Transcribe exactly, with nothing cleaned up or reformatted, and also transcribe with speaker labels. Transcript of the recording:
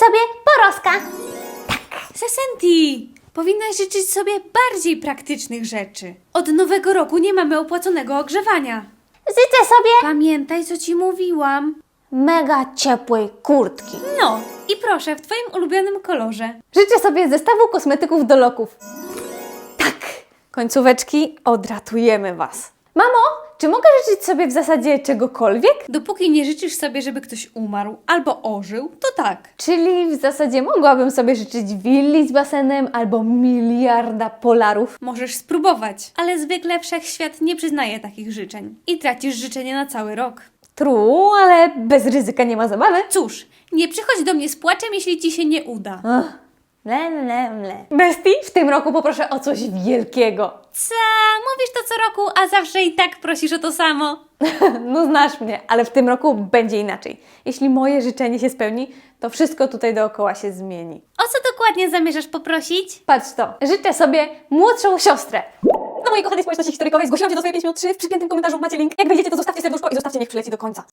Speaker 1: sobie poroska.
Speaker 2: Sesenti, powinnaś życzyć sobie bardziej praktycznych rzeczy. Od nowego roku nie mamy opłaconego ogrzewania.
Speaker 1: Życzę sobie
Speaker 2: Pamiętaj, co ci mówiłam.
Speaker 1: mega ciepłej kurtki.
Speaker 2: No, i proszę, w twoim ulubionym kolorze.
Speaker 3: Życzę sobie zestawu kosmetyków do loków. Tak, końcóweczki, odratujemy Was. Mamo, czy mogę życzyć sobie w zasadzie czegokolwiek?
Speaker 2: Dopóki nie życzysz sobie, żeby ktoś umarł albo ożył, to tak.
Speaker 3: Czyli w zasadzie mogłabym sobie życzyć willi z basenem albo miliarda polarów.
Speaker 2: Możesz spróbować, ale zwykle wszechświat nie przyznaje takich życzeń. I tracisz życzenie na cały rok.
Speaker 3: True, ale bez ryzyka nie ma zabawy.
Speaker 2: Cóż, nie przychodź do mnie z płaczem, jeśli ci się nie uda.
Speaker 3: Ach, mle, mle, mle. Bestii, w tym roku poproszę o coś wielkiego.
Speaker 2: Co? Mówisz to co roku, a zawsze i tak prosisz o to samo.
Speaker 3: No znasz mnie, ale w tym roku będzie inaczej. Jeśli moje życzenie się spełni, to wszystko tutaj dookoła się zmieni.
Speaker 2: O co dokładnie zamierzasz poprosić?
Speaker 3: Patrz to, życzę sobie młodszą siostrę. Na mojej kochanej społeczności historykowej zgłosiłam się do swojej pięć minut trzy. W przypiętym komentarzu macie link. Jak wejdziecie, to zostawcie serduszko i zostawcie, niech przyleci do końca.